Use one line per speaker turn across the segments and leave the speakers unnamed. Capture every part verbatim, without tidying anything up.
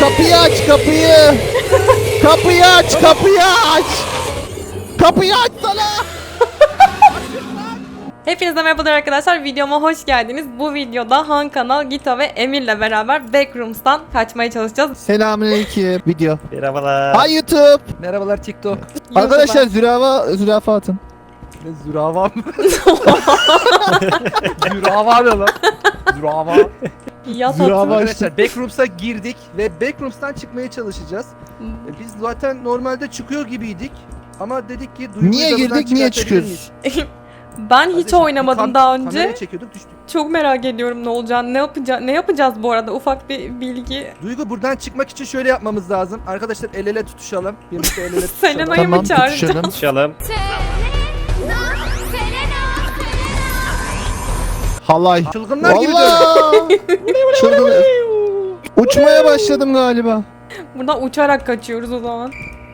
Kapıyı aç kapıyı. Kapıyı aç kapıyı aç. Kapıyı aç sana.
Hepinize merhabalar arkadaşlar, videoma hoş geldiniz. Bu videoda Han Kanal, Gito ve Emir'le beraber Backrooms'tan kaçmaya çalışacağız.
Selamünaleyküm. Video.
Merhabalar.
Hay YouTube.
Merhabalar TikTok.
Arkadaşlar zürafa zürafa atın.
Ne zürava mı? Zürava ne lan? Zürava.
Yat
Zürafa-
atın.
Arkadaşlar Backrooms'a girdik ve Backrooms'tan çıkmaya çalışacağız. E, Biz zaten normalde çıkıyor gibiydik. Ama dedik ki Duygu'yu
Niye
da buradan
girdik niye
çıkartabilir
çıkıyoruz?
miyiz?
Ben hiç
Kardeşim,
oynamadım
kam-
daha önce.
Kamerayı çekiyorduk düştük.
Çok merak ediyorum ne olacağını. Ne yapacağız? Ne yapacağız bu arada? Ufak bir bilgi.
Duygu buradan çıkmak için şöyle yapmamız lazım. Arkadaşlar el ele tutuşalım. Birlikte el ele tutuşalım.
Selena'yı
Tamam
mı çağıracağım?
tutuşalım.
Konuşalım.
Halay.
Çılgınlar gibi dönüyor.
Vallahi. Çılgın. Uçmaya başladım galiba.
Buradan uçarak kaçıyoruz o zaman.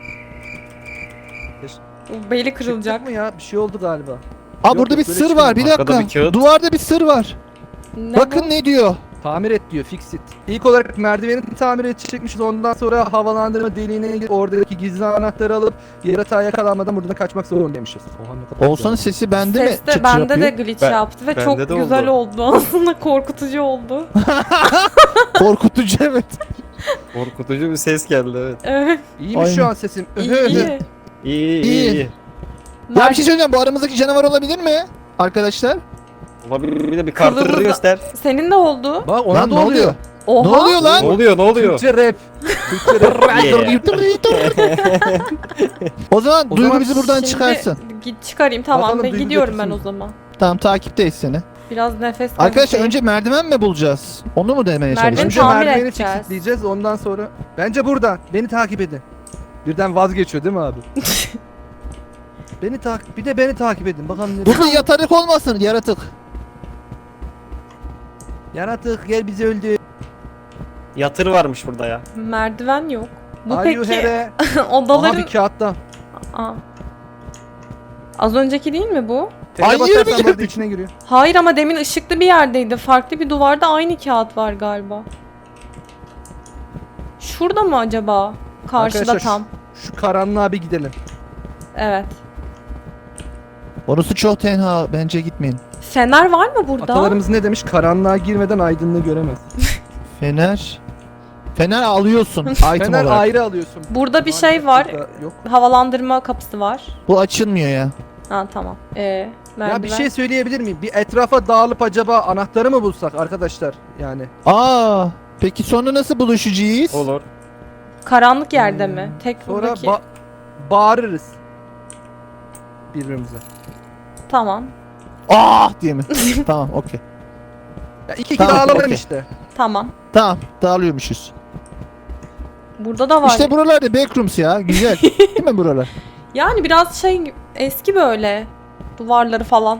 O beli
Çıkacak
kırılacak.
mı ya? Bir şey oldu galiba.
Aa
Yok,
burada
yok,
bir
böyle
sır var. Bir
çıkmıyor. Arkada
dakika.
bir kağıt.
Duvarda bir sır var.
Ne
Bakın
bu?
ne diyor.
Tamir et diyor, fix it. İlk olarak merdiveni tamir edecekmişiz. Ondan sonra havalandırma deliğine gidip oradaki gizli anahtarı alıp yaratığa yakalanmadan buradan kaçmak zorundaymışız. Oha, ne kadar
Oğuzhan'ın
güzel.
sesi bende mi?
Ses de
çıt
bende de
yapıyor?
glitch
Ben-
yaptı ve
bende
çok
de
güzel
oldu.
oldu. Aslında korkutucu oldu.
Korkutucu evet.
Korkutucu bir ses geldi, evet.
Evet.
İyi mi şu
Aynen.
an sesim?
İyi
Öhö.
iyi.
İyi, iyi,
İyi.
iyi.
Ya bir şey söyleyeceğim. Bu aramızdaki canavar olabilir mi? Arkadaşlar.
Olabilir, bir de bir kartları
Kılımız da-
göster.
Senin de oldu.
Bak ona
Lan
da
ne
oluyor.
oluyor?
Oha.
Ne oluyor lan?
Ne oluyor, ne oluyor?
Türkçe rap. Türkçe rap.
Yeah.
O zaman
O
Duygu
zaman
bizi buradan
Şimdi
çıkarsın.
Git çıkarayım, tamam.
Bakalım
Ben
Duygu
gidiyorum ben o
götürsün.
zaman.
Tamam takipteyiz seni.
Biraz nefes
Arkadaşlar
alayım.
önce merdiven mi bulacağız? Onu mu demeye
Merdiven
çalışıyorsun?
Önce
tamir
merdiveni
edeceğiz.
fixleyeceğiz. Ondan sonra. Bence buradan. Beni takip edin. Birden vazgeçiyor değil mi abi? Beni takip. Bir de beni takip edin. Bakalım ne.
Burada yatarık olmasın yaratık.
Yaratık gel bizi öldü.
Yatır varmış burada ya.
Merdiven yok. Bu
Are you
peki
here? Aha
odaların...
bir kağıtta.
Aa. Az önceki değil mi bu?
T'ye
Ay,
basarsan
yirmi
burada
girdik.
içine giriyor.
Hayır ama demin ışıklı bir yerdeydi. Farklı bir duvarda aynı kağıt var galiba. Şurada mı acaba? Karşıda
Arkadaşlar, şu-
tam.
Şu karanlığa bir gidelim.
Evet.
Orası çok tenha. Bence gitmeyin.
Fener var mı burada?
Atalarımız ne demiş? Karanlığa girmeden aydınlığı göremez.
Fener. Fener alıyorsun item
Fener
olarak.
ayrı alıyorsun.
Burada bir
Maalesef
şey var.
burada Yok.
Havalandırma kapısı var.
Bu açılmıyor ya.
Ha tamam. Ee, merdiven.
Ya bir şey söyleyebilir miyim? Bir etrafa dağılıp acaba anahtarı mı bulsak arkadaşlar? Yani.
Aa. Peki sonra nasıl buluşacağız?
Olur.
Karanlık yerde mi?
Hmm,
Tek
Sonra
buradaki.
ba- bağırırız. Birbirimize.
Tamam.
Ah diye mi? Tamam okey.
Ya iki iki
Tamam,
dağılalım
okey.
işte.
Tamam.
Tamam dağılıyormuşuz.
Burada da var.
İşte buralarda backrooms ya. Güzel. Değil mi buralar?
Yani biraz şey eski böyle. Duvarları falan.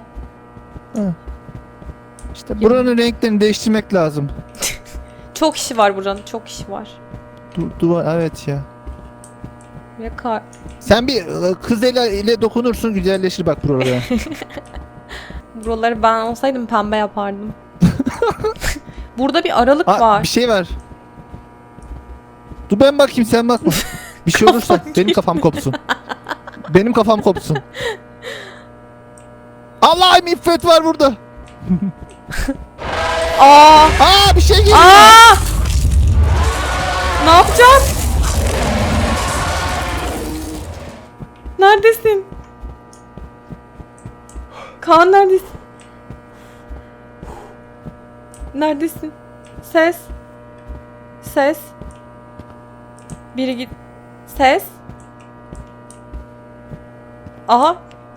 İşte buranın renklerini değiştirmek lazım.
Çok işi var buranın. Çok işi var.
Du duvar evet ya.
Ve ka-
Sen bir e, kız ile, ile dokunursun güzelleşir bak buralara.
Buraları ben olsaydım pembe yapardım. Burada bir aralık
Aa,
var.
bir şey var. Dur ben bakayım sen bakma. Bir şey olursa
Kafam
benim kafam kopsun. Benim kafam kopsun. Allah'ım iffet var burada.
Aa!
Aa bir şey geliyor.
Aa! Ne yapacağız? Neredesin? Kaan neredesin? Neredesin? Ses. Ses. Biri git. Ses. Aha.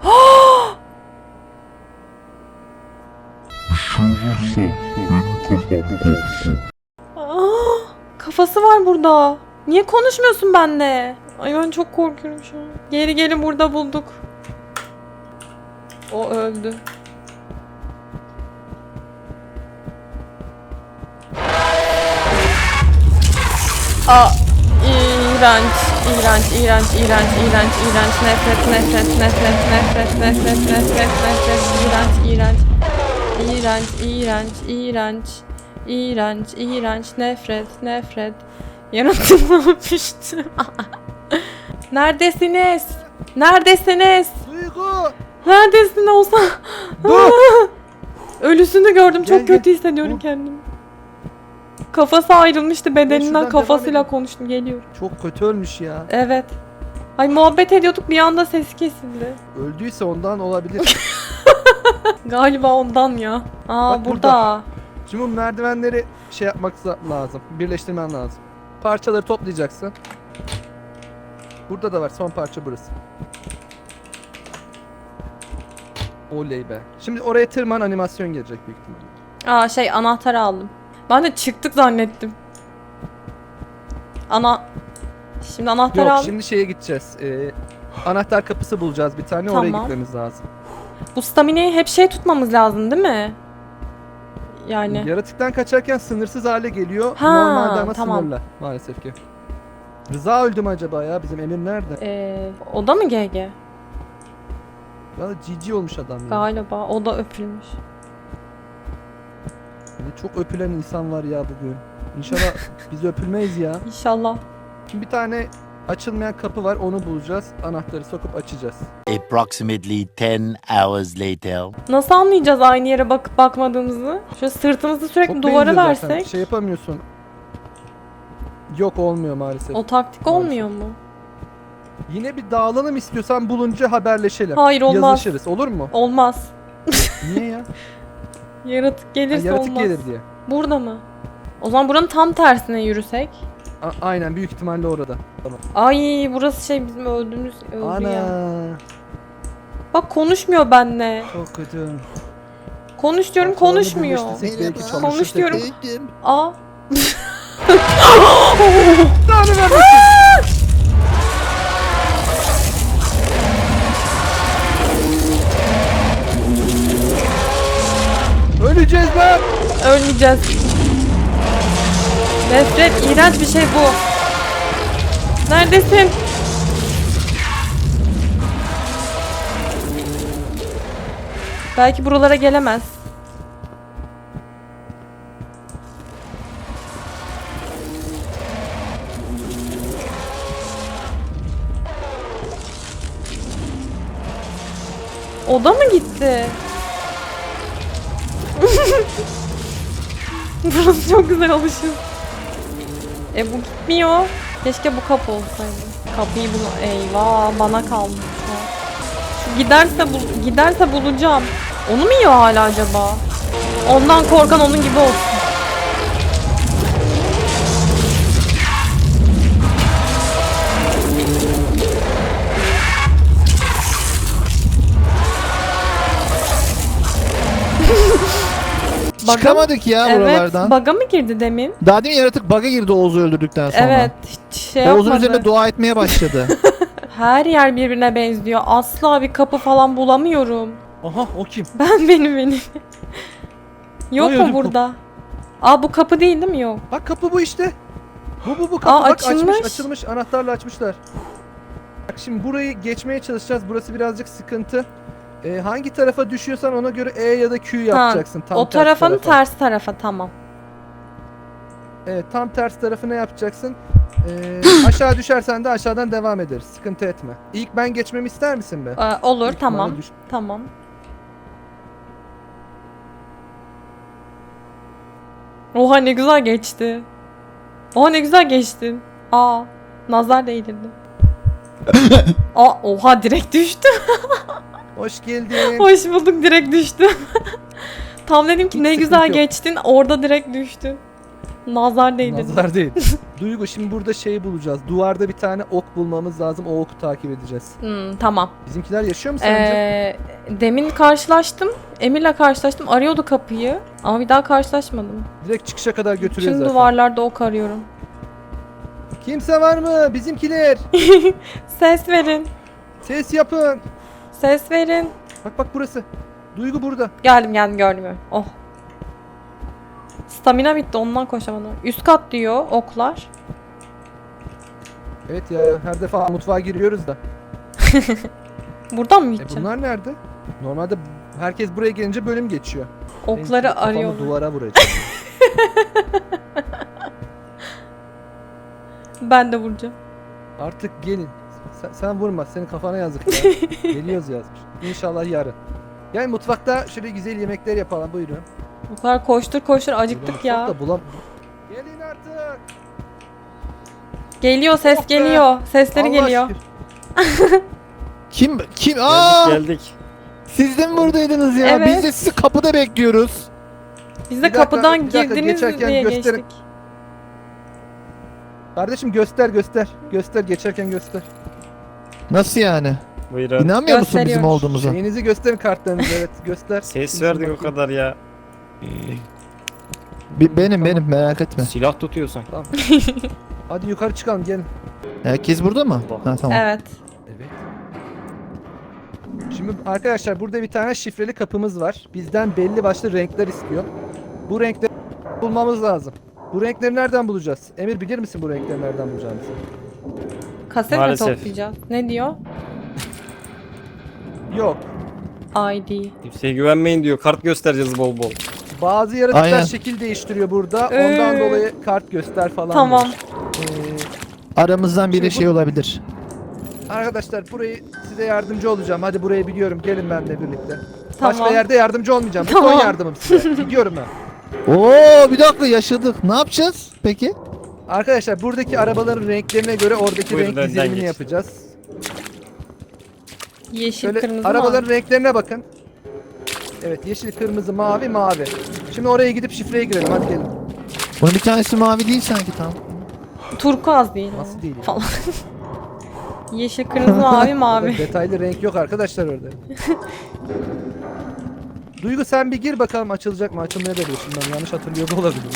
Aa, kafası var burada. Niye konuşmuyorsun benimle? Ay ben çok korkuyorum şu an. Geri gelin burada bulduk. O öldü. Aa, iğrenç, iğrenç, iğrenç, iğrenç, iğrenç, iğrenç, nefret, nefret, nefret, nefret, nefret, nefret, nefret, iğrenç, iğrenç, iğrenç, iğrenç, iğrenç, iğrenç, iğrenç, nefret, nefret, Yaratık ne yapmıştı? Neredesiniz? Neredesiniz?
Duygu!
Neredesin olsa?
Dur!
Ölüsünü gördüm. Çok
Gel, gel.
kötü hissediyorum
Dur.
kendimi. Kafası ayrılmıştı bedeninden.
şuradan
Kafasıyla
devam edin.
konuştum. Geliyor.
Çok kötü ölmüş ya.
Evet. Ay muhabbet ediyorduk bir anda ses kesildi.
Öldüyse ondan olabilir.
Galiba ondan ya. Aa
Bak
burada.
burada. Şimdi bu merdivenleri şey yapmak za- lazım. Birleştirmen lazım. Parçaları toplayacaksın. Burada da var. Son parça burası. Oley be. Şimdi oraya tırman, animasyon gelecek büyük ihtimalle.
Aa şey anahtarı aldım. Ben de çıktık zannettim. Ana... Şimdi anahtarı
Yok
aldım.
şimdi şeye gideceğiz. Ee, anahtar kapısı bulacağız bir tane. Oraya
Tamam.
gitmemiz lazım.
Bu staminayı hep şey tutmamız lazım değil mi? Yani.
Yaratıktan kaçarken sınırsız hale geliyor.
Ha,
Normalde ama
tamam.
sınırlı maalesef ki. Rıza öldü mü acaba ya? Bizim Emir nerede?
Ee, o da mı G G?
Valla cici olmuş adam ya.
Galiba. O da öpülmüş.
Ne çok öpülen insan var ya bugün. İnşallah biz öpülmeyiz ya.
İnşallah.
Şimdi bir tane açılmayan kapı var, onu bulacağız. Anahtarı sokup açacağız.
Approximately ten hours later.
Nasıl anlayacağız aynı yere bakıp bakmadığımızı? Şöyle sırtımızı sürekli
Çok
duvara
benziyor zaten.
versek.
Şey yapamıyorsun. Yok olmuyor maalesef.
O taktik
Maalesef.
olmuyor mu?
Yine bir dağılalım istiyorsan bulunca haberleşelim.
Hayır, olmaz.
Yazışırız olur mu?
Olmaz.
Niye ya?
Yaratık
Ha,
gelirse
yaratık
olmaz.
gelir diye.
Burada mı? O zaman buranın tam tersine yürüsek.
A- aynen büyük ihtimalle orada. Tamam.
Ay burası şey bizim öldüğümüz öldü
Ana.
ya. Bak konuşmuyor benimle.
Çok kötü.
Konuş diyorum
Parçalarını
konuşmuyor.
birleştirsek belki çalışır
Konuş
tekrar.
diyorum. Aa.
Tanrı vermesin. Öleceğiz lan.
Ölmeyeceğiz. Nefret, iğrenç bir şey bu. Neredesin? Belki buralara gelemez. O da mı gitti? Burası çok güzel alışım. E bu gitmiyor. Keşke bu kapı olsaydı. Kapıyı bul... Eyvah bana kalmış şu an. Şu giderse bul... giderse bulacağım. Onu mu yiyor hala acaba? Ondan korkan onun gibi olsun. Bug'a-
Çıkamadık ya
Evet,
buralardan.
bug'a mı girdi demin?
Daha demin yaratık bug'a girdi Oğuz'u öldürdükten sonra.
Evet, hiç şey
Oğuz'un
yapmadı.
üzerine dua etmeye başladı.
Her yer birbirine benziyor. Asla bir kapı falan bulamıyorum.
Aha o kim?
Ben benim benim. Yok
Ay,
mu
ödüm
burada? Aa bu kapı değil değil mi? Yok.
Bak kapı bu işte. Bu bu bu kapı
Aa,
bak
açılmış.
açmış açılmış anahtarla açmışlar. Bak şimdi burayı geçmeye çalışacağız. Burası birazcık sıkıntı. Ee, hangi tarafa düşüyorsan ona göre E ya da Q yapacaksın. Tam
o
ters
tarafın
tarafa.
ters tarafa tamam.
Evet tam ters tarafına yapacaksın. Ee, aşağı düşersen de aşağıdan devam ederiz. Sıkıntı etme. İlk ben geçmemi ister misin be?
Ee, olur
Büyük
tamam.
ihtimalle düş-
Tamam. Oha ne güzel geçti. Oha ne güzel geçtin. Aa nazar değdirdi. Aa oha direkt düştü.
Hoş geldin.
Hoş bulduk direkt düştü. Tam dedim ki
Hiç
ne
sıkıntı
güzel
yok.
geçtin orada direkt düştün. Nazar değdirdi.
Nazar değil. Duygu şimdi burada şeyi bulacağız. Duvarda bir tane ok bulmamız lazım. O oku takip edeceğiz.
Hmm, tamam.
Bizimkiler yaşıyor mu sence?
Ee, demin karşılaştım. Emir'le karşılaştım. Arıyordu kapıyı. Ama bir daha karşılaşmadım.
Direkt çıkışa kadar götürüyor
Tüm
zaten.
duvarlarda ok arıyorum.
Kimse var mı? Bizimkiler.
Ses verin.
Ses yapın.
Ses verin.
Bak bak burası. Duygu burada.
Geldim geldim gördüm. Oh. Stamina bitti ondan koşamadım. Üst kat diyor oklar.
Evet ya her defa mutfağa giriyoruz da.
Buradan mı
E
gideceğim?
bunlar nerede? Normalde herkes buraya gelince bölüm geçiyor. Ben
Okları
şimdi kafamı
arıyorum.
duvara vuracağım.
Ben de vuracağım.
Artık gelin. Sen, sen vurma. Senin kafana yazık ya. Geliyoruz yazmış. İnşallah yarın. Gel mutfakta şöyle güzel yemekler yapalım. Buyurun.
Bu kadar koştur koştur acıktık
Burada
ya.
mutfakta bulam- Gelin artık.
Geliyor ses
Oh be.
geliyor. Sesleri
Allah
geliyor.
şükür.
Kim kim? Aa!
Geldik geldik.
Siz de mi buradaydınız ya?
Evet.
Biz de sizi kapıda bekliyoruz.
Biz
Bir
de
dakika,
kapıdan
bir dakika,
girdiniz
geçerken
diye
gösterin.
geçtik.
Kardeşim göster göster. Göster geçerken göster.
Nasıl yani?
Buyurun.
İnanmıyor musun bizim
Gösteriyor.
olduğumuza?
Şeyinizi gösterin kartlarınızı evet göster.
Ses
Şimdi
verdik o
bakayım.
kadar ya.
Bi- benim benim merak etme.
Silah tutuyorsun.
Hadi yukarı çıkalım gelin.
Herkes burada mı? Ha tamam.
Evet.
Evet. Şimdi arkadaşlar burada bir tane şifreli kapımız var. Bizden belli başlı renkler istiyor. Bu renkleri bulmamız lazım. Bu renkleri nereden bulacağız? Emir bilir misin bu renkleri nereden bulacağımızı?
Kaset mi
Maalesef.
toplayacağız? Ne diyor?
Yok.
I D.
Kimseye güvenmeyin diyor. Kart göstereceğiz bol bol.
Bazı yaratıklar
Aynen.
şekil değiştiriyor burada. Ondan
Ee,
dolayı kart göster falan.
Tamam.
diyor. Ee,
Aramızdan biri
Şimdi bu-
şey olabilir.
arkadaşlar burayı size yardımcı olacağım. Hadi burayı biliyorum. Gelin benimle birlikte.
Tamam.
Başka yerde yardımcı olmayacağım. Bu
Tamam.
son yardımım size. Gidiyorum ben.
Oo bir dakika yaşadık. Ne yapacağız peki?
Arkadaşlar buradaki arabaların renklerine göre oradaki
Buyurun,
renk
önden
dizilimini
geç.
yapacağız.
Yeşil,
Şöyle
kırmızı
arabaların
mı?
renklerine bakın. Evet yeşil, kırmızı, mavi, mavi. Şimdi oraya gidip şifreye girelim hadi gelin.
Bunun bir tanesi mavi değil sanki tam.
Turkuaz değil.
Nasıl
o.
değil ya?
Falan. Yeşil, kırmızı, mavi, mavi.
Orada detaylı renk yok arkadaşlar orada. Duygu sen bir gir bakalım açılacak mı? Açılmaya da bilir. Şimdi ben yanlış hatırlıyor da olabilirim.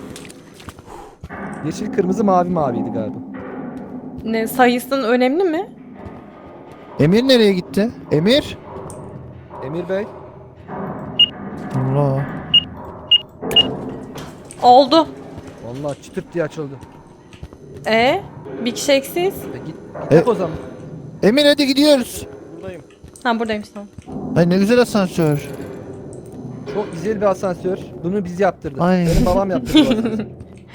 Yeşil, kırmızı, mavi, maviydi galiba.
Ne sayısının önemli mi?
Emir nereye gitti? Emir?
Emir Bey.
Allah.
Oldu.
Vallahi çıtırt diye açıldı.
E bir kişi eksiz.
E, git, git
E-
yap o zaman.
Emir hadi gidiyoruz.
Buradayım.
Ha buradaymış tamam.
Ay ne güzel asansör.
Çok güzel bir asansör. Bunu biz yaptırdık.
Ay.
Benim babam yaptırdı bu asansörü.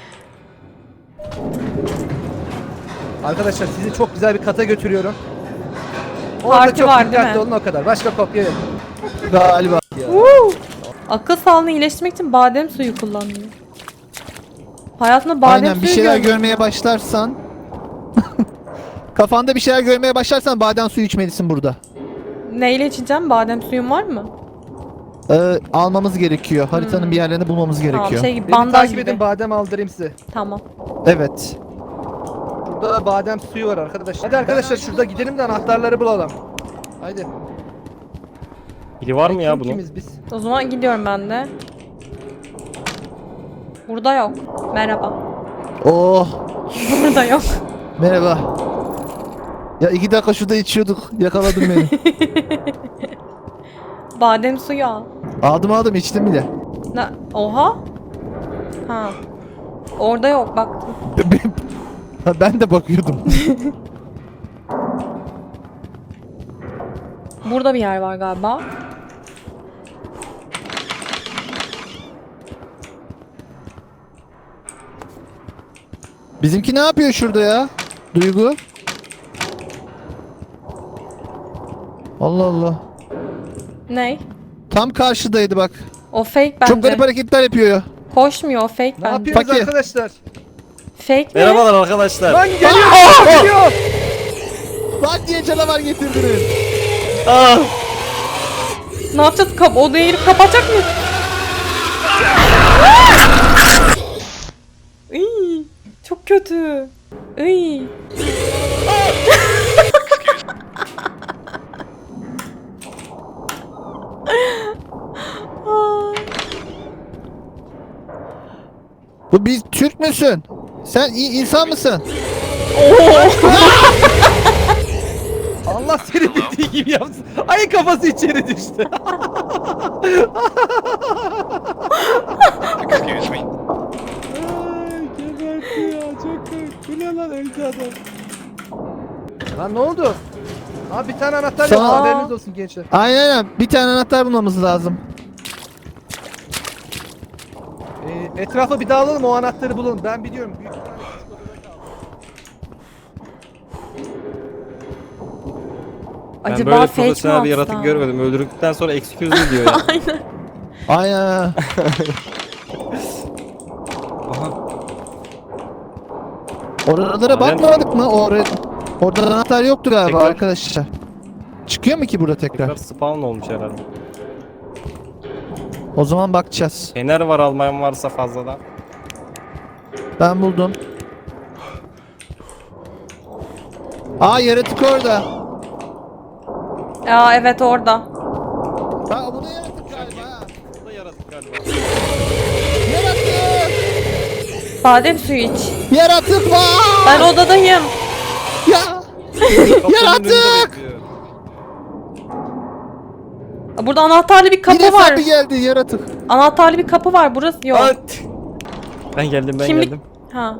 Arkadaşlar sizi çok güzel bir kata götürüyorum. Orada
Parti
çok
var, değil
dikkatli
mi?
olun o kadar. Başka kopya yok.
Galiba.
Akıl sağlığını iyileştirmek için badem suyu kullanıyor. Hayatında badem
Aynen
suyu
bir şeyler
görmedim.
görmeye başlarsan kafanda bir şeyler görmeye başlarsan badem suyu içmelisin burada.
Neyle içeceğim? Badem suyun var mı?
Ee, almamız gerekiyor. Haritanın bir yerlerini bulmamız gerekiyor.
Tamam şey gibi
Beni
bandaj
takip
gibi.
edin badem aldırayım size.
Tamam.
Evet.
Burada da badem suyu var arkadaşlar. Hadi arkadaşlar şurada gidelim de anahtarları bulalım. Haydi.
Biri var mı
Ay,
ya
kim
bunun?
Kimiz biz?
O zaman gidiyorum ben de. Burada yok. Merhaba.
Oh
Burada yok.
merhaba. Ya iki dakika şurada içiyorduk. Yakaladın beni.
Badem suyu al.
aldım aldım içtim bile.
Ne? Oha. Ha. Orada yok baktım.
Ha, ben de bakıyordum.
Burada bir yer var galiba.
Bizimki ne yapıyor şurada ya? Duygu. Allah Allah.
Ne?
Tam karşıdaydı bak.
O fake bence.
Çok garip hareketler yapıyor ya.
Koşmuyor o fake
Ne
bence.
yapıyoruz
Fakir.
arkadaşlar?
Fake mi?
Merhabalar arkadaşlar.
Lan geliyor! geliyor!
Lan diye canavar getirdiniz.
Ah!
Ne yapacağız? Kap odaya girip kapatacak mıyız? Iy, çok kötü. Iy. Ay.
Bu biz Türk müsün? Sen iyi insan mısın?
Allah seni bildiği gibi yapsın. Ay kafası içeri düştü.
Excuse me.
Ay geberti ya çok korktu. Bu ne lan öldü adam. Lan ne oldu? Abi bir tane anahtar yok
Sağ-
haberiniz olsun gençler.
Aynen aynen. Bir tane anahtar bulmamız lazım.
Ee, etrafa bir dağılalım o anahtarı bulalım. Ben biliyorum. Büyük ihtimalle küçük odada kaldı.
Ben
Acaba
böyle
fake mi
profesyonel bir
atsa?
yaratık görmedim. Öldürdükten sonra excuse me diyor ya.
Aynen.
Aynen.
Aha.
Oralara bakmadık mı? Oraya, orada anahtar yoktu galiba
Tekrar.
arkadaşlar. Çıkıyor mu ki burada tekrar?
Tekrar spawn olmuş herhalde.
O zaman bakacağız.
Fener var almayan varsa fazladan.
Ben buldum. Aa yaratık orada.
Aa evet orada.
Ha bu da yaratık galiba. ha.
Bu da yaratık galiba.
Yaratık!
Badem suyu iç.
Yaratık var!
Ben odadayım.
Ya!
Kapının
Yaratık!
önünde bekliyor.
Burada anahtarlı bir kapı
Yine
var.
sapi geldi yaratık.
Anahtarlı bir kapı var. Burası yok.
At! Ben geldim ben
Kimlik-
geldim.
Ha.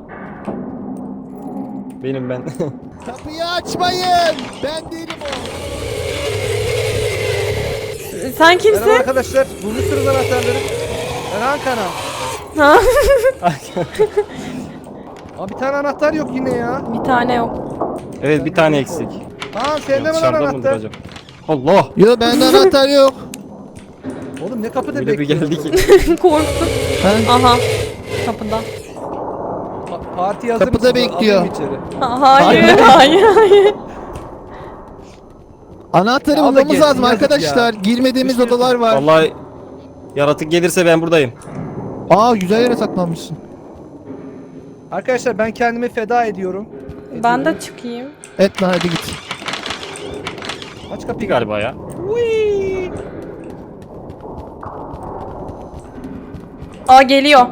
Benim ben.
Kapıyı açmayın. Ben değilim o.
Sen
Merhaba
kimsin?
arkadaşlar. Bulmuşsunuz anahtarları. Ben Hakan'a.
Ha?
Aa bir tane anahtar yok yine ya.
Bir tane yok.
Evet bir tane eksik.
Aa sende mi lan
Dışarıda mıdır
anahtar?
acaba? Allah!
Yo bende anahtar yok.
Oğlum ne kapıda
Öyle bir
bekliyorsun?
geldi ki.
Korktum.
Ha?
Aha. Kapıda.
Pa- parti hazır
Kapıda
mısın?
bekliyor.
Alayım içeri.
Ha, hayır, hayır, hayır.
Anahtarı
Ya o da
bulmamız
gelsin,
lazım
yazık
arkadaşlar.
ya.
Girmediğimiz
Düşünüyorsun.
odalar var.
Vallahi yaratık gelirse ben buradayım.
Aa güzel yere saklanmışsın.
Arkadaşlar ben kendimi feda ediyorum.
Ben
Ediyorum.
de çıkayım.
Et lan hadi git.
Aç
Bir
kapıyı.
galiba ya.
Whee!
Aa geliyor.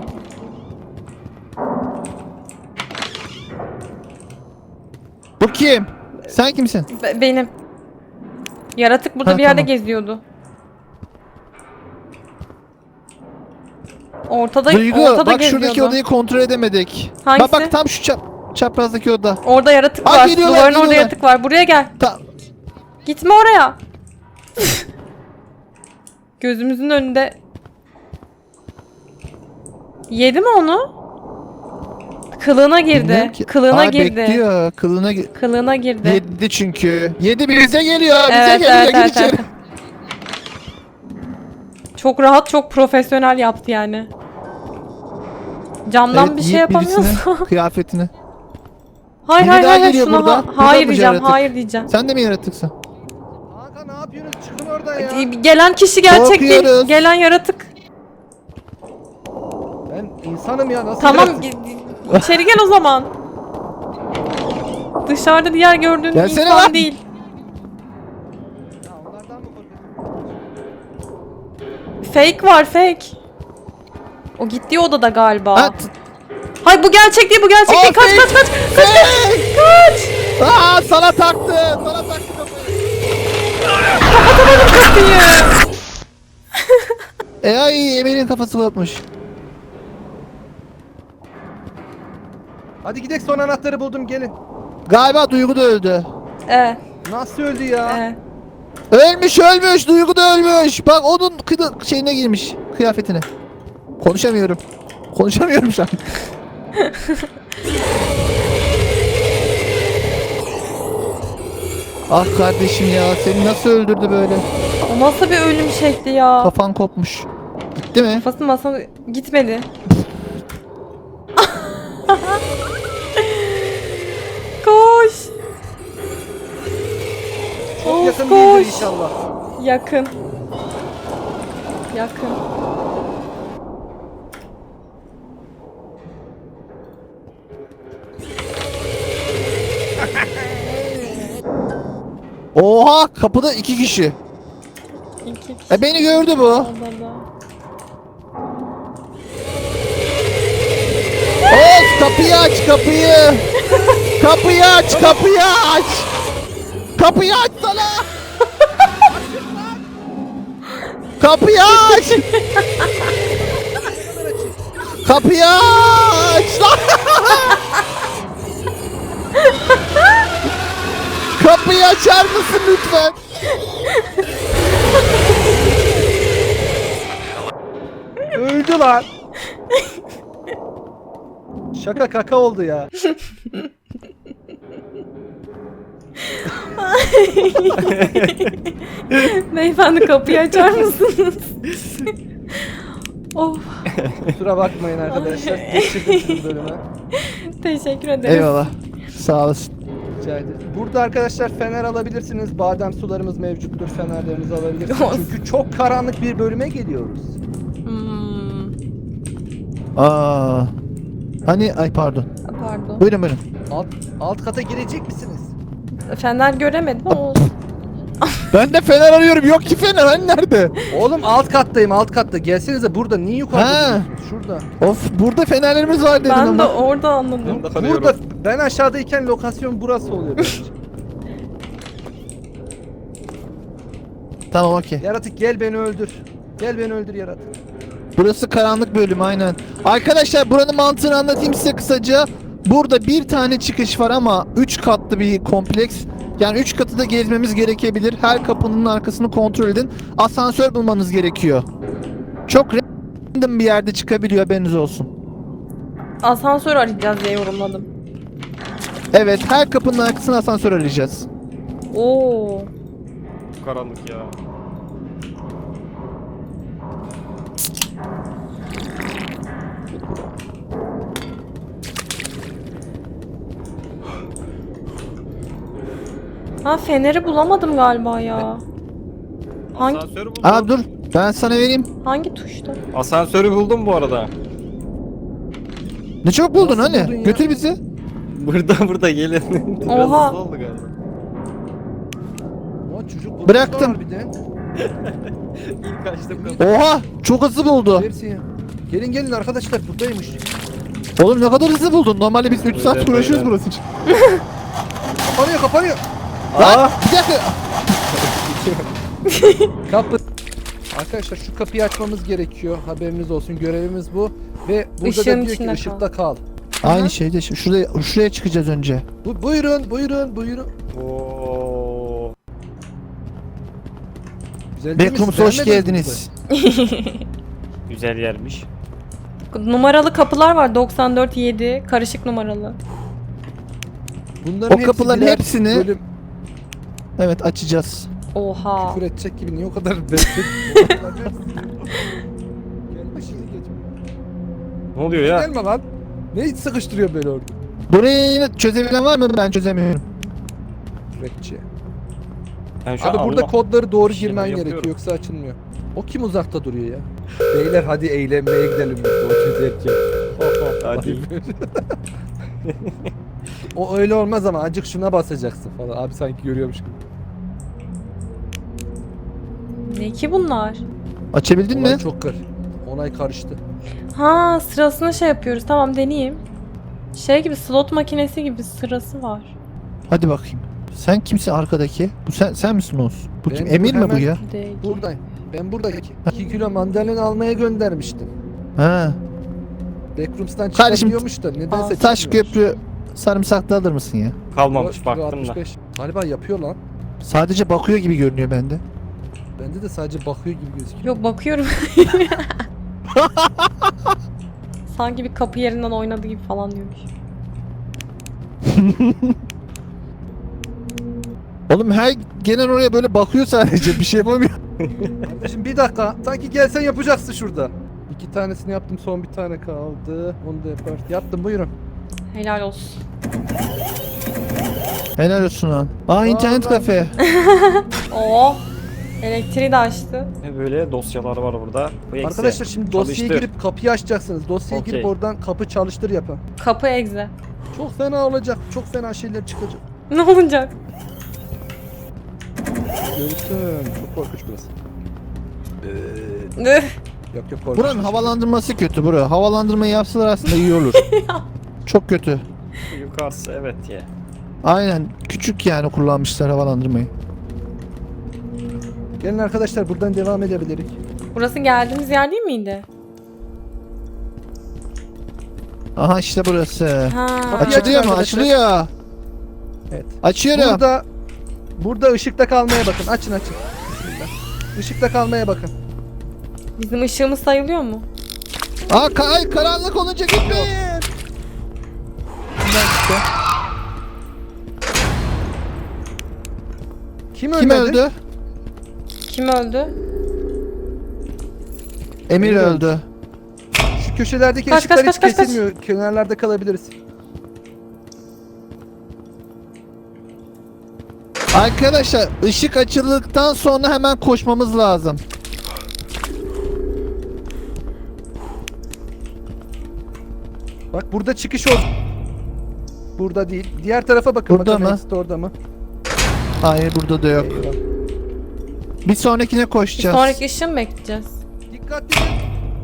Bu kim? Sen kimsin?
Be- benim. Yaratık burada
Ha,
bir yerde
tamam.
geziyordu. Ortada,
Duygu
ortada
bak
geziyordu.
şuradaki odayı kontrol edemedik.
Hangisi?
Bak bak tam şu çap çaprazdaki oda.
Orada yaratık
Aa,
var.
geliyorlar,
Duvarın orada
geliyorlar.
yaratık var. Buraya gel.
Ta
Gitme oraya. Gözümüzün önünde. Yedi mi onu? Kılığına girdi.
bilmiyorum ki.
Kılığına
Aa,
girdi.
Bekliyor. Kılığına gi-
Kılığına girdi.
Yedi çünkü. Yedi bize geliyor. Bize
Evet,
geliyor.
evet,
Gir
evet,
içeri.
evet. Çok rahat, çok profesyonel yaptı yani. Camdan
Evet,
bir şey
Yiğit
yapamıyorsa.
birisine kıyafetini.
hayır
Biri
hayır
daha
hayır
geliyor
şuna
burada.
ha-
Burada
hayır
mı
diyeceğim,
yaratık?
hayır diyeceğim.
Sen de mi yaratıksın?
Hakan ne yapıyorsunuz? Çıkın oradan ya.
Gelen kişi gerçek değil.
Korkuyoruz.
Gelen yaratık.
Ben insanım ya nasıl
Tamam
yaratık?
gi- içeri gel o zaman. Dışarıda diğer gördüğün
Gelsene
insan
lan.
değil.
Ya onlardan mı korkuyorsun?
Fake var fake. O gittiği odada galiba.
Ha, t-
Hayır bu gerçek değil, bu gerçek
Aa,
değil. Kaç
fake.
kaç kaç. Kaç kaç. Kaç.
Aa sana taktı. Sana taktı kafayı.
Kapıyı.
E ay Emel'in kafası kopmuş.
Hadi gidelim son anahtarı buldum gelin.
Galiba Duygu da öldü.
Evet.
Nasıl öldü ya?
Evet.
Ölmüş ölmüş. Duygu da ölmüş. Bak onun kıdı şeyine girmiş. Kıyafetine. Konuşamıyorum. Konuşamıyorum şu an. Ah kardeşim ya seni nasıl öldürdü böyle?
O nasıl bir ölüm şekli ya?
Kafan kopmuş. Gitti mi?
Kafası masana gitmedi. Koş.
Çok
Of,
yakın
koş.
değildir inşallah.
Yakın. Yakın.
Oha kapıda iki kişi.
İki kişi
E beni gördü bu.
odada.
Oğuz kapıyı aç kapıyı. Kapıyı aç kapıyı aç. Kapıyı aç sana. Kapıyı aç. Kapıyı aç lan. Kapıyı açar mısın lütfen?
Öldü lan. Şaka kaka oldu ya.
Beyefendi kapıyı açar mısınız? Of,
Kusura bakmayın arkadaşlar. Geçirdim sizi bölüme.
teşekkür ederim.
Eyvallah. Sağ olasın.
Rica ederim. Burada arkadaşlar fener alabilirsiniz. Badem sularımız mevcuttur. Fenerlerinizi alabilirsiniz. Çünkü çok karanlık bir bölüme geliyoruz.
Hmm,
Aa. Hani ay pardon.
pardon.
Buyurun buyurun.
Alt, alt kata girecek misiniz?
Fener göremedim ama olsun.
Ben de fener arıyorum. Yok ki fener. Hani nerede?
Oğlum alt kattayım, alt katta. Gelsenize burada. Niye yukarıda
Ha.
duruyorsunuz? Şurada.
Of burada fenerlerimiz var dedin
Ben de
ama.
orada anladım.
Ben de arıyorum.
Burada ben aşağıdayken lokasyon burası oluyor. benim için.
Tamam okey.
Yaratık gel beni öldür. Gel beni öldür yaratık.
Burası karanlık bölüm aynen. Arkadaşlar buranın mantığını anlatayım size kısaca. Burada bir tane çıkış var ama üç katlı bir kompleks. Yani üç katı da gezmemiz gerekebilir. Her kapının arkasını kontrol edin. Asansör bulmanız gerekiyor. Çok random bir yerde çıkabiliyor, haberiniz olsun.
Asansör arayacağız diye yorumladım.
Evet, her kapının arkasına asansör arayacağız.
Oo.
Karanlık ya.
Ha, feneri bulamadım galiba ya. Hangi
Asansörü buldum.
Aa dur, ben sana vereyim.
hangi tuşta?
Asansörü buldum bu arada.
Ne çok buldun
Nasıl
hani?
buldun ya?
Götür bizi.
Burada burada gelin. Biraz
Oha.
hızlı oldu galiba.
Aa, çocuk
Bıraktım.
var bir de.
İlk açtım.
Oha, çok hızlı buldu.
Hepsi ya. Gelin gelin arkadaşlar buradaymış.
Oğlum ne kadar hızlı buldun. Normalde biz üç saat
Evet,
uğraşıyoruz
evet.
burası için.
Kapanıyor kapanıyor.
Lan bir dakika.
Kapı. Arkadaşlar şu kapıyı açmamız gerekiyor. Haberiniz olsun. Görevimiz bu. Ve burada
Işığın
da diyor ki
içinde
ışıkta kal.
Aynı şeyde şu- şuraya şuraya çıkacağız önce.
Bu, buyurun buyurun buyurun.
Oo.
Güzel değil mi?
Backrooms'a hoş
Beğenmediniz mi
geldiniz.
Güzel yermiş.
Numaralı kapılar var, doksan dört yedi karışık numaralı.
burayı? Bunların
O kapıların
birer
hepsini-
bölüm
Evet, açacağız.
Oha.
küfür edecek gibi niye o kadar bekledin? Gelme şimdi geç.
Ne oluyor ya?
Gelme lan. Ne hiç sıkıştırıyor böyle orada?
Burayı yine çözebilen var mı? Ben çözemiyorum.
Küfretçi.
Ben şu
Abi
an
burada
Allah-
kodları doğru
Bir şeyler
girmen
yapıyorum.
gerekiyor yoksa açılmıyor. O kim uzakta duruyor ya? Beyler hadi eğlenmeye gidelim biz de o çözerken.
Hadi.
O öyle olmaz ama acık şuna basacaksın falan. Abi sanki görüyormuş gibi.
Ne ki bunlar?
Açabildin
Olay
mi?
çok kır. Onay karıştı.
Ha, sırasını şey yapıyoruz. Tamam, deneyeyim. Şey gibi, slot makinesi gibi sırası var.
Hadi bakayım. Sen kimsin arkadaki? Bu sen sen misin Oğuz? Bu
Ben
kim?
bu
Emir mi bu
hemen-
ya?
Değil.
Buradayım. Ben buradaki iki kilo mandalina almaya göndermiştim.
Ha.
Backrooms'tan
Kardeşim,
çıkabiliyormuş da nedense
Taş
çıkmıyor.
köprü sarımsaklı alır mısın ya?
Kalmamış
Kilo
baktım da.
altmış beş. Galiba yapıyor lan.
Sadece bakıyor gibi görünüyor bende.
Bende de sadece bakıyor gibi gözüküyor.
Yok, bakıyorum. Sanki bir kapı yerinden oynadı gibi falan diyormuş.
Oğlum her gelen oraya böyle bakıyor sadece, bir şey yapamıyor.
Kardeşim bir dakika. Sanki gelsen yapacaksın şurada. İki tanesini yaptım, son bir tane kaldı. Onu da yapar. Yaptım, buyurun.
Helal olsun.
Helal olsun lan. Aa internet
Vallahi.
kafe.
Oo. Elektriği de açtı.
Ne böyle dosyalar var burada. Bu eksi.
Arkadaşlar şimdi dosyaya
Çalıştır.
girip kapıyı açacaksınız. Dosyaya girip
Okey.
oradan kapı çalıştır yapın.
Kapı egze.
Çok fena olacak. Çok fena şeyler çıkacak.
Ne olacak?
Görürsün. Çok korkunç burası.
Üh.
Yok yok korkunç.
Buranın havalandırması kötü bura. Havalandırmayı yapsalar aslında iyi olur. Çok kötü.
Yukarısı evet ya.
Aynen. Küçük yani kullanmışlar havalandırmayı.
Gelin arkadaşlar buradan devam edebiliriz.
Burası geldiğimiz yer değil miydi?
Aha işte burası.
Ha.
Kapıyı
Açılıyor
açın
mu?
arkadaşlar.
Açılıyor.
Evet.
Açıyorum.
Burada burada ışıkta kalmaya bakın. Açın açın. Bismillah. Işıkta kalmaya bakın.
Bizim ışığımız sayılıyor mu?
Aa ka- ay, karanlık olunca gitmeyin.
Bundan işte. Kim,
Kim
ölmedi?
öldü?
Kim öldü?
Emir
Emir öldü.
öldü.
Şu köşelerdeki
Kaç,
ışıklar
kaç,
hiç
kaç, kaç, kaç.
kesilmiyor. Kenarlarda kalabiliriz.
Arkadaşlar ışık açıldıktan sonra hemen koşmamız lazım.
Bak burada çıkış ol. Burada değil. Diğer tarafa bakın
Burada
bakalım
mı?
exit orada mı?
Hayır burada da yok.
Eyvah.
Bir sonrakine
Bir
koşacağız.
sonraki ışığı mı bekleyeceğiz?
Dikkatli olun.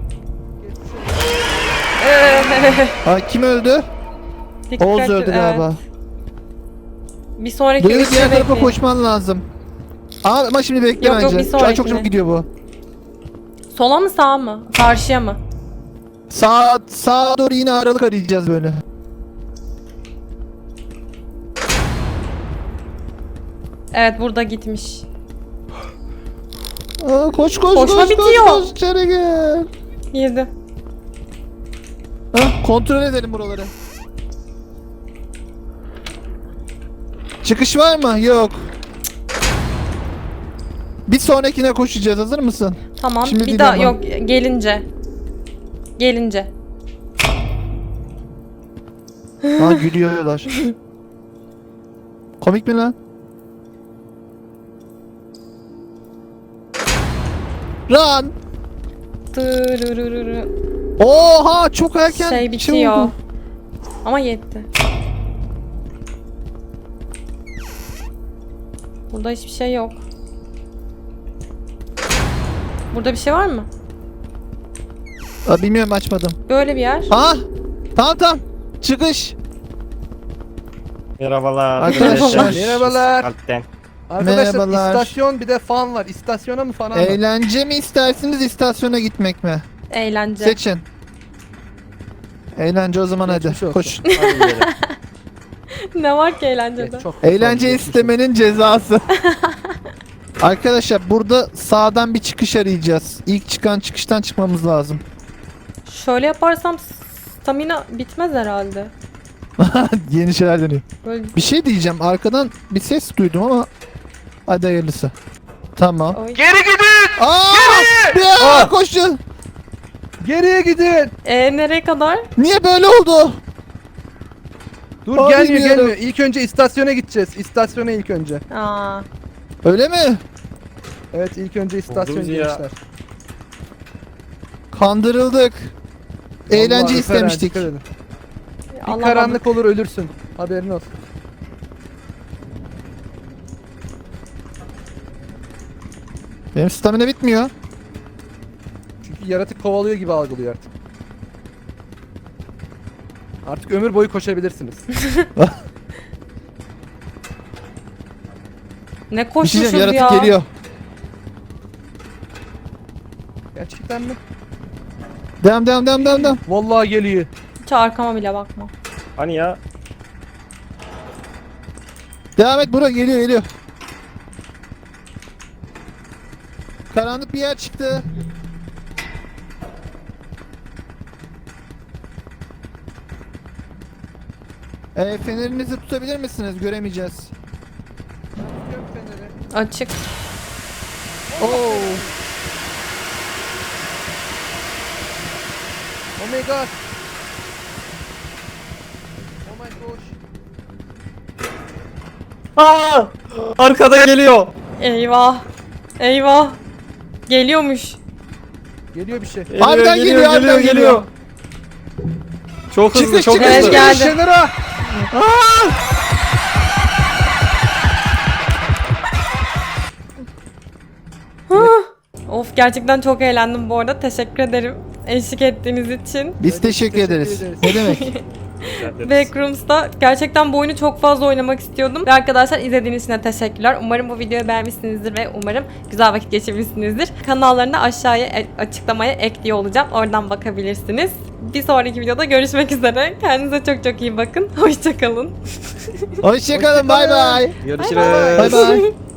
Aa, kim öldü?
Dikkat
Oğuz
et,
öldü
evet.
galiba.
Bir sonraki
Bu yıl
ışığı
diğer tarafa
bekleyin.
koşman lazım. Aa, ama şimdi bekle
Yok, yok,
bence.
bir
Şu an çok
sonrakine.
çok gidiyor bu.
Sola mı sağa mı? Karşıya mı?
Sağ sağa doğru yine aralık arayacağız böyle.
Evet burada gitmiş.
Aa, koş koş
Koşma
koş
bitiyor.
koş koş içeri gel.
Girdi.
Ha, kontrol edelim buraları. Çıkış var mı? Yok. Bir sonrakine koşacağız. Hazır mısın?
Tamam.
Şimdi
bir
değil
daha
ama.
yok gelince. Gelince.
Ha gülüyorlar. Komik mi lan? Run!
Tırırırırı.
Oha çok erken
Şey bitiyor.
oldu.
Ama yetti. Burada hiçbir şey yok. Burada bir şey var mı?
Aa, bilmiyorum açmadım.
Böyle bir yer.
Ha? Tamam tamam. Çıkış.
Merhabalar.
Arkadaşlar.
Merhabalar.
Alpten.
Arkadaşlar
Merhabalar.
istasyon bir de fan var. İstasyona mı falan mı?
Eğlence mi istersiniz istasyona gitmek mi?
Eğlence.
Seçin. Eğlence o zaman hadi.
Geçmiş olsun.
Koş.
Hadi gidelim.
Ne var ki eğlencede?
Evet, çok-
Eğlence
çok-
istemenin cezası. Arkadaşlar burada sağdan bir çıkış arayacağız. İlk çıkan çıkıştan çıkmamız lazım.
Şöyle yaparsam stamina bitmez herhalde.
Yeni şeyler deniyor.
Böyle
Bir şey diyeceğim. Arkadan bir ses duydum ama hadi hayırlısı. Tamam.
Oy.
Geri gidin!
Aa! Ya, koşun.
Geriye gidin!
Ee, nereye kadar?
Niye böyle oldu?
Dur
Aa,
gelmiyor
bilmiyorum.
gelmiyor. İlk önce istasyona gideceğiz. İstasyona ilk önce.
Aa,
Öyle mi?
Evet ilk önce istasyon
Buldunuz ya.
gençler.
Kandırıldık. Eğlence
Vallahi Alperen,
istemiştik.
dikkat edin. Bir
alamadım.
karanlık olur ölürsün. Haberin olsun.
Benim stamina bitmiyor.
Çünkü yaratık kovalıyor gibi algılıyor artık. Artık ömür boyu koşabilirsiniz.
Ne
Bir şey
koşmuşuz
diyeceğim,
ya.
yaratık geliyor.
Gerçekten mi?
Devam devam devam devam devam.
Vallahi geliyor.
Hiç arkama bile bakma.
Hani ya?
Devam et buraya geliyor geliyor. Karanlık bir yer çıktı. E, fenerinizi tutabilir misiniz? Göremeyeceğiz.
Açık.
Oo.
Oh my god. Oh my gosh.
Aa! Arkada geliyor.
Eyvah. Eyvah. Geliyormuş.
Geliyor bir şey.
Geliyor,
Harbiden geliyor, harbiden geliyor.
Çok hızlı,
Çıkış,
çok
çıkış,
Evet,
hızlı.
geldi.
Kenara.
Of gerçekten çok eğlendim bu arada. Teşekkür ederim eşlik ettiğiniz için.
Biz
Evet,
teşekkür,
teşekkür
ederiz.
ederiz.
Ne demek?
Backrooms'ta gerçekten bu oyunu çok fazla oynamak istiyordum. Ve arkadaşlar izlediğiniz için de teşekkürler. Umarım bu videoyu beğenmişsinizdir ve umarım güzel vakit geçirmişsinizdir. Kanallarını da aşağıya e- açıklamaya ekliyor olacağım. Oradan bakabilirsiniz. Bir sonraki videoda görüşmek üzere. Kendinize çok çok iyi bakın. Hoşçakalın.
Hoşçakalın. Bay bay.
Görüşürüz.
Bay bay.